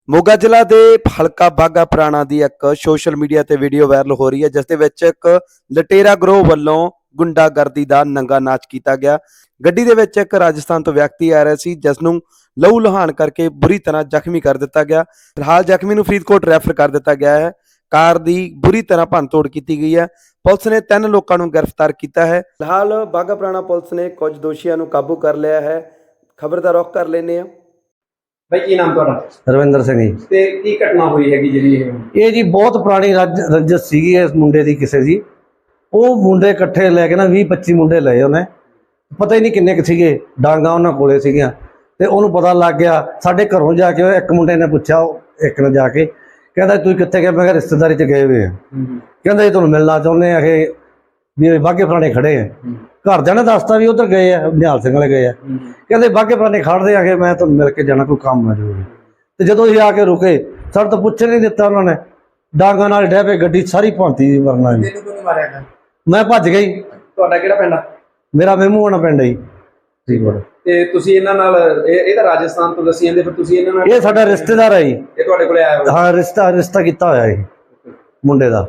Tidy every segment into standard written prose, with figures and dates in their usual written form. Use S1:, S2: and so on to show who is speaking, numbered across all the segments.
S1: ਮੋਗਾ ਜ਼ਿਲ੍ਹਾ ਦੇ ਹਲਕਾ ਬਾਘਾ ਪੁਰਾਣਾ ਦੀ ਇੱਕ ਸੋਸ਼ਲ ਮੀਡੀਆ ਤੇ ਵੀਡੀਓ ਵਾਇਰਲ ਹੋ ਰਹੀ ਹੈ, ਜਿਸ ਦੇ ਵਿੱਚ ਇੱਕ ਲਟੇਰਾ ਗਰੋਹ ਵੱਲੋਂ ਗੁੰਡਾਗਰਦੀ ਦਾ ਨੰਗਾ ਨਾਚ ਕੀਤਾ ਗਿਆ। ਗੱਡੀ ਦੇ ਵਿੱਚ ਇੱਕ ਰਾਜਸਥਾਨ ਤੋਂ ਵਿਅਕਤੀ ਆ ਰਿਹਾ ਸੀ, ਜਿਸ ਨੂੰ ਲਹੂ ਲੁਹਾਨ ਕਰਕੇ ਬੁਰੀ ਤਰ੍ਹਾਂ ਜ਼ਖਮੀ ਕਰ ਦਿੱਤਾ ਗਿਆ। ਫਿਲਹਾਲ ਜ਼ਖਮੀ ਨੂੰ ਫਰੀਦਕੋਟ ਰੈਫਰ ਕਰ ਦਿੱਤਾ ਗਿਆ ਹੈ। ਕਾਰ ਦੀ ਬੁਰੀ ਤਰ੍ਹਾਂ ਭੰਨਤੋੜ ਕੀਤੀ ਗਈ ਹੈ। ਪੁਲਿਸ ਨੇ 3 ਲੋਕਾਂ ਨੂੰ ਗ੍ਰਿਫਤਾਰ ਕੀਤਾ ਹੈ। ਫਿਲਹਾਲ ਬਾਘਾ ਪੁਰਾਣਾ ਪੁਲਿਸ ਨੇ ਕੁਝ ਦੋਸ਼ੀਆਂ ਨੂੰ ਕਾਬੂ ਕਰ ਲਿਆ ਹੈ। ਖਬਰ ਦਾ ਰੁਖ ਕਰ ਲੈਂਦੇ ਹਾਂ।
S2: भाई की नाम तुहाडा?
S3: ਰਵਿੰਦਰ ਸਿੰਘ ਜੀ।
S2: ते की घटना हुई हैगी जिहड़ी
S3: ਇਹ ਜੀ ਬਹੁਤ ਪੁਰਾਣੀ ਰੰਜਿਸ਼ ਸੀਗੀ ਇਸ ਮੁੰਡੇ ਦੀ ਕਿਸੇ ਦੀ। ਉਹ ਮੁੰਡੇ ਇਕੱਠੇ ਲੈ ਕੇ ਨਾ 20-25 ਮੁੰਡੇ ਲਏ ਉਹਨੇ, ਪਤਾ ਹੀ ਨਹੀਂ ਕਿੰਨੇ ਕੁ ਸੀਗੇ, ਡਾਂਗਾ ਉਹਨਾਂ ਕੋਲੇ ਸੀਗੀਆਂ। ਤੇ ਉਹਨੂੰ ਪਤਾ ਲੱਗ ਗਿਆ। ਸਾਡੇ ਘਰੋਂ ਜਾ ਕੇ ਇੱਕ ਮੁੰਡੇ ਨੇ ਪੁੱਛਿਆ, ਇੱਕ ਨੇ ਜਾ ਕੇ ਕਹਿੰਦਾ ਤੁਸੀਂ ਕਿੱਥੇ ਗਏ? ਮੈਂ ਕਿਹਾ ਰਿਸ਼ਤੇਦਾਰੀ 'ਚ ਗਏ ਹੋਏ ਆ। ਕਹਿੰਦਾ ਜੀ ਤੁਹਾਨੂੰ ਮਿਲਣਾ ਚਾਹੁੰਦੇ ਆ ਕਿ ਵੀ ਬਾਘੇ ਪੁਰਾਣੇ ਖੜੇ ਆ। ਘਰਦਿਆਂ ਨੇ ਦੱਸਤਾ ਵੀ ਉੱਧਰ ਗਏ ਆ, ਨਿਹਾਲ ਸਿੰਘ ਵਾਲੇ ਗਏ ਆ। ਕਹਿੰਦੇ ਬਾਘੇ ਪੁਰਾਣੇ ਖੜਦੇ ਆ ਕਿ ਮੈਂ ਤੁਹਾਨੂੰ ਮਿਲ ਕੇ ਜਾਣਾ, ਕੋਈ ਕੰਮ ਆ ਜ਼ਰੂਰੀ। ਤੇ ਜਦੋਂ ਅਸੀਂ ਆ ਕੇ ਰੁਕੇ, ਸਾਡੇ ਤੋਂ ਪੁੱਛ ਨਹੀਂ ਦਿੱਤਾ ਉਹਨਾਂ ਨੇ, ਡਾਂਗਾਂ ਨਾਲ ਡਹਿ ਪਏ, ਗੱਡੀ ਸਾਰੀ ਭੰਤੀ ਵਰਨਾ ਜੀ। ਮੈਂ ਭੱਜ ਗਈ।
S2: ਤੁਹਾਡਾ ਕਿਹੜਾ ਪਿੰਡ ਆ?
S3: ਮੇਰਾ ਮਹਿਮੂ ਹੋਣਾ ਪਿੰਡ ਜੀ ਫਰੀਦਕੋਟ।
S2: ਤੇ ਤੁਸੀਂ ਇਹਨਾਂ ਨਾਲ ਇਹ ਤਾਂ ਰਾਜਸਥਾਨ ਤੋਂ ਦੱਸੀ ਜਾਂਦੇ, ਫਿਰ ਤੁਸੀਂ ਇਹਨਾਂ ਨਾਲ?
S3: ਇਹ ਸਾਡਾ ਰਿਸ਼ਤੇਦਾਰ ਹੈ ਜੀ।
S2: ਇਹ ਤੁਹਾਡੇ ਕੋਲੇ ਆਇਆ ਹੋਇਆ?
S3: ਹਾਂ, ਰਿਸ਼ਤਾ ਕੀਤਾ ਹੋਇਆ ਇਹ ਮੁੰਡੇ ਦਾ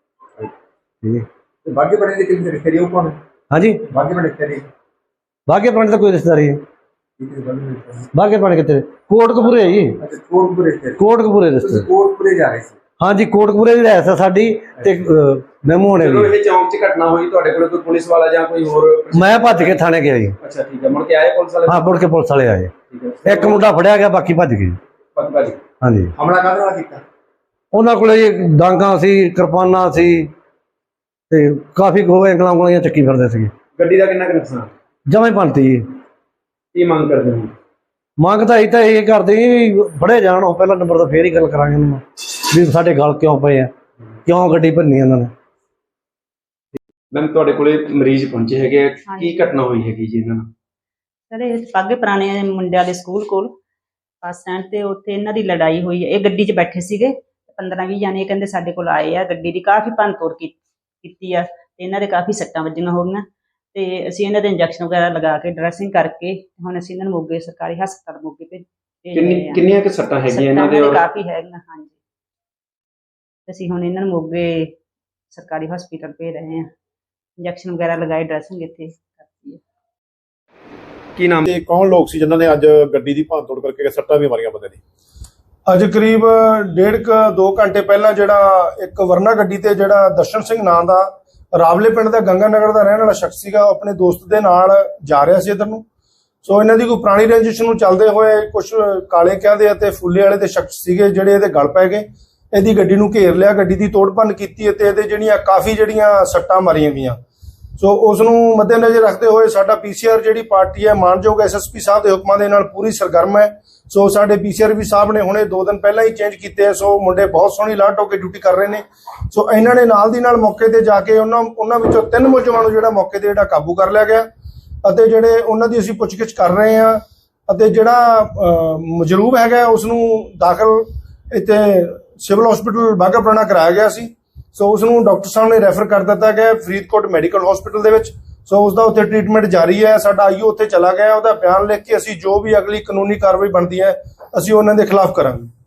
S3: ਜੀ।
S2: ਬਾਘੇ ਪੁਰਾਣੇ ਦੇ ਕਿੰਨੇ ਰਿਸ਼ਤੇ ਹੋ ਕੋਣ?
S3: ਹਾਂਜੀ,
S2: ਬਾਘੇ ਪੁਰਾਣੇ ਰਿਸ਼ਤੇ?
S3: ਬਾਘੇ ਪੁਰਾਣੇ ਦਾ ਕੋਈ ਰਿਸ਼ਤੇਦਾਰੀ ਹੈ? ਬਾਘੇ ਪੁਰਾਣੇ ਕਿੱਥੇ? ਕੋਟਕਪੂਰੇ ਜੀ।
S2: ਅੱਛਾ, ਕੋਟਕਪੂਰੇ ਰਿਸ਼ਤੇ।
S3: ਕੋਟਕਪੂਰੇ ਰਿਸ਼ਤੇ।
S2: ਕੋਟਕਪੂਰੇ ਜਾ ਰਹੇ ਸੀ?
S3: ਹਾਂਜੀ, ਕੋਟਕਪੂਰੇ ਦੀ ਰਹਿਸ ਹੈ ਸਾਡੀ। ਤੇ ਮਹਿਮੂ ਹੋਣੇ
S2: ਜਦੋਂ ਇਹ ਚੌਂਕ 'ਚ ਘਟਨਾ ਹੋਈ, ਤੁਹਾਡੇ ਕੋਲ ਕੋਈ ਪੁਲਿਸ ਵਾਲਾ ਜਾਂ ਕੋਈ ਹੋਰ?
S3: ਮੈਂ ਭੱਜ ਕੇ ਥਾਣੇ ਗਿਆ ਜੀ।
S2: ਅੱਛਾ, ਠੀਕ ਹੈ। ਮੁੜ ਕੇ ਆਏ ਪੁਲਿਸ ਵਾਲੇ?
S3: ਹਾਂ, ਮੁੜ ਕੇ ਪੁਲਿਸ ਵਾਲੇ ਆਏ। ਇੱਕ ਮੁੰਡਾ ਫੜਿਆ ਗਿਆ, ਬਾਕੀ ਭੱਜ ਗਏ। ਹਾਂਜੀ।
S2: ਹਮਲਾ ਕਾਹਦੇ ਨਾਲ ਕੀਤਾ?
S3: ਉਹਨਾਂ ਕੋਲੇ ਜੀ ਡਾਂਗਾਂ ਸੀ, ਕਿਰਪਾਨਾਂ ਸੀ, ਤੇ ਕਾਫੀ ਗੋਹੇ ਉਂਗਲਾਂ ਚੱਕੀ ਫਿਰਦੇ ਸੀਗੇ।
S2: ਗੱਡੀ ਦਾ ਕਿੰਨਾ ਕੁ ਨੁਕਸਾਨ?
S3: ਜਮਾਂ ਹੀ ਭੰਨਤੀ ਜੀ।
S2: ਕੀ ਮੰਗ ਕਰਦੇ ਹੋ?
S3: ਮੰਗ ਤਾਂ ਇਹ ਕਰਦੇ ਵੀ ਫੜੇ ਜਾਣ। ਉਹ ਪਹਿਲਾ ਨੰਬਰ ਤਾਂ ਫੇਰ ਹੀ ਗੱਲ ਕਰਾਂਗੇ ਉਹਨਾਂ ਨਾਲ ਵੀ ਸਾਡੇ ਗਲ ਕਿਉਂ ਪਏ ਆ, ਕਿਉਂ ਗੱਡੀ ਭੰਨੀ ਉਹਨਾਂ ਨੇ।
S2: ਮੈਮ, ਤੁਹਾਡੇ ਕੋਲੇ ਮਰੀਜ਼ ਪਹੁੰਚੇ ਹੈਗੇ, ਕੀ ਘਟਨਾ ਹੋਈ ਹੈਗੀ ਜੀ ਇਹਨਾਂ ਨਾਲ?
S4: ਸਰ, ਇਹ ਬਾਘੇ ਪੁਰਾਣੇ ਮੁੰਡਿਆਂ ਦੇ ਸਕੂਲ ਕੋਲ ਬੱਸ ਸਟੈਂਡ ਤੇ ਉੱਥੇ ਇਹਨਾਂ ਦੀ ਲੜਾਈ ਹੋਈ ਹੈ। ਇਹ ਗੱਡੀ 'ਚ ਬੈਠੇ ਸੀਗੇ, 15-20 ਜਾਣੇ ਕਹਿੰਦੇ ਸਾਡੇ ਕੋਲ ਆਏ ਆ। ਗੱਡੀ ਦੀ ਕਾਫੀ ਭੰਨਤੋੜ ਕੀਤੀ ਆ ਤੇ ਇਹਨਾਂ ਦੇ ਕਾਫੀ ਸੱਟਾਂ ਵੱਜੀਆਂ ਹੋਈਆਂ। ਤੇ ਅਸੀਂ ਇਹਨਾਂ ਦੇ ਇੰਜੈਕਸ਼ਨ ਵਗੈਰਾ ਲਗਾ ਕੇ ਡਰੈਸਿੰਗ ਕਰਕੇ ਹੁਣ ਅਸੀਂ ਇਹਨਾਂ ਨੂੰ ਮੋਗੇ ਸਰਕਾਰੀ ਹਸਪਤਾਲ ਮੋਗੇ ਭੇਜ ਰਹੇ ਹਾਂ।
S2: ਕਿੰਨੀਆਂ ਕੁ ਸੱਟਾਂ ਹੈਗੀਆਂ ਇਹਨਾਂ ਦੇ?
S4: ਕਾਫੀ ਹੈਗੀਆਂ, ਹਾਂਜੀ। ਅਸੀਂ ਹੁਣ ਇਹਨਾਂ ਨੂੰ ਮੋਗੇ ਸਰਕਾਰੀ ਹਸਪਤਾਲ ਭੇਜ ਰਹੇ ਹਾਂ। ਇੰਜੈਕਸ਼ਨ ਵਗੈਰਾ ਲਗਾਏ, ਡਰੈਸਿੰਗ ਇੱਥੇ ਕਰਤੀ ਹੈ।
S2: ਕੀ ਨਾਮ
S5: ਤੇ ਕੌਣ ਲੋਕ ਸੀ ਜਿਨ੍ਹਾਂ ਨੇ ਅੱਜ ਗੱਡੀ ਦੀ ਭੰਨਤੋੜ ਕਰਕੇ ਸੱਟਾਂ ਵੀ ਮਾਰੀਆਂ ਬੰਦੇ ਦੀ? ਅੱਜ ਕਰੀਬ 1.5-2 ਘੰਟੇ ਪਹਿਲਾਂ ਜਿਹੜਾ ਇੱਕ ਵਰਨਾ ਗੱਡੀ ਤੇ ਜਿਹੜਾ ਦਰਸ਼ਨ ਸਿੰਘ ਨਾਂ ਦਾ ਰਾਵਲੇ ਪਿੰਡ ਦਾ ਗੰਗਾ ਨਗਰ ਦਾ ਰਹਿਣ ਵਾਲਾ ਸ਼ਖਸ ਸੀਗਾ, ਉਹ ਆਪਣੇ ਦੋਸਤ ਦੇ ਨਾਲ ਜਾ ਰਿਹਾ ਸੀ ਇੱਧਰ ਨੂੰ। ਸੋ ਇਹਨਾਂ ਦੀ ਕੋਈ ਪੁਰਾਣੀ ਰੰਜਿਸ਼ ਨੂੰ ਚੱਲਦੇ ਹੋਏ ਕੁਝ ਕਾਲੇ ਕਹਿੰਦੇ ਅਤੇ ਫੁੱਲੇ ਵਾਲੇ ਦੇ ਸ਼ਖਸ ਸੀਗੇ ਜਿਹੜੇ ਇਹਦੇ ਗਲ ਪੈ ਗਏ। ਇਹਦੀ ਗੱਡੀ ਨੂੰ ਘੇਰ ਲਿਆ, ਗੱਡੀ ਦੀ ਤੋੜ ਭੰਨ ਕੀਤੀ ਅਤੇ ਇਹਦੇ ਜਿਹੜੀਆਂ ਕਾਫੀ ਸੱਟਾਂ ਮਾਰੀਆਂ ਗਈਆਂ। ਸੋ ਉਸ ਨੂੰ ਮੱਦੇਨਜ਼ਰ ਰੱਖਦੇ ਹੋਏ ਸਾਡਾ ਪੀਸੀਆਰ ਜਿਹੜੀ ਪਾਰਟੀ ਹੈ, ਮਾਨਯੋਗ ਐਸਐਸਪੀ ਸਾਹਿਬ ਦੇ ਹੁਕਮਾਂ ਦੇ ਨਾਲ ਪੂਰੀ ਸਰਗਰਮ ਹੈ। ਸੋ ਸਾਡੇ ਪੀਸੀਆਰ ਵੀ ਸਾਹਿਬ ਨੇ ਹੁਣੇ 2 ਦਿਨ ਪਹਿਲਾਂ ਹੀ ਚੇਂਜ ਕੀਤੇ ਆ। ਸੋ ਮੁੰਡੇ ਬਹੁਤ ਸੋਹਣੀ ਅਲਰਟ ਹੋ ਕੇ ਡਿਊਟੀ ਕਰ ਰਹੇ ਨੇ। ਸੋ ਇਹਨਾਂ ਨੇ ਨਾਲ ਦੀ ਨਾਲ ਮੌਕੇ ਤੇ ਜਾ ਕੇ ਉਹਨਾਂ ਵਿੱਚੋਂ 3 ਮੁਲਜ਼ਮਾਂ ਨੂੰ ਜਿਹੜਾ ਮੌਕੇ ਤੇ ਕਾਬੂ ਕਰ ਲਿਆ ਗਿਆ ਅਤੇ ਜਿਹੜੇ ਉਹਨਾਂ ਦੀ ਅਸੀਂ ਪੁੱਛਗਿੱਛ ਕਰ ਰਹੇ ਹਾਂ। ਅਤੇ ਜਿਹੜਾ ਮਜਰੂਬ ਹੈਗਾ ਉਸ ਨੂੰ ਦਾਖਲ ਇੱਥੇ ਸਿਵਲ ਹਸਪੀਟਲ ਬਾਘਾ ਪੁਰਾਣਾ ਕਰਾਇਆ ਗਿਆ ਸੀ। ਸੋ ਉਸ ਨੂੰ ਡਾਕਟਰ ਸਾਹਿਬ ਨੇ ਰੈਫਰ ਕਰ ਦਿੱਤਾ ਗਿਆ ਫਰੀਦਕੋਟ ਮੈਡੀਕਲ ਹਸਪੀਟਲ ਦੇ ਵਿੱਚ। ਸੋ ਉਸ ਦਾ ਉੱਥੇ ਟ੍ਰੀਟਮੈਂਟ ਜਾਰੀ ਹੈ। ਸਾਡਾ ਆਈਓ ਉੱਥੇ ਚਲਾ ਗਿਆ, ਉਹਦਾ ਬਿਆਨ ਲਿਖ ਕੇ ਅਸੀਂ ਜੋ ਵੀ ਅਗਲੀ ਕਾਨੂੰਨੀ ਕਾਰਵਾਈ ਬਣਦੀ ਹੈ ਅਸੀਂ ਉਹਨਾਂ ਦੇ ਖਿਲਾਫ ਕਰਾਂਗੇ।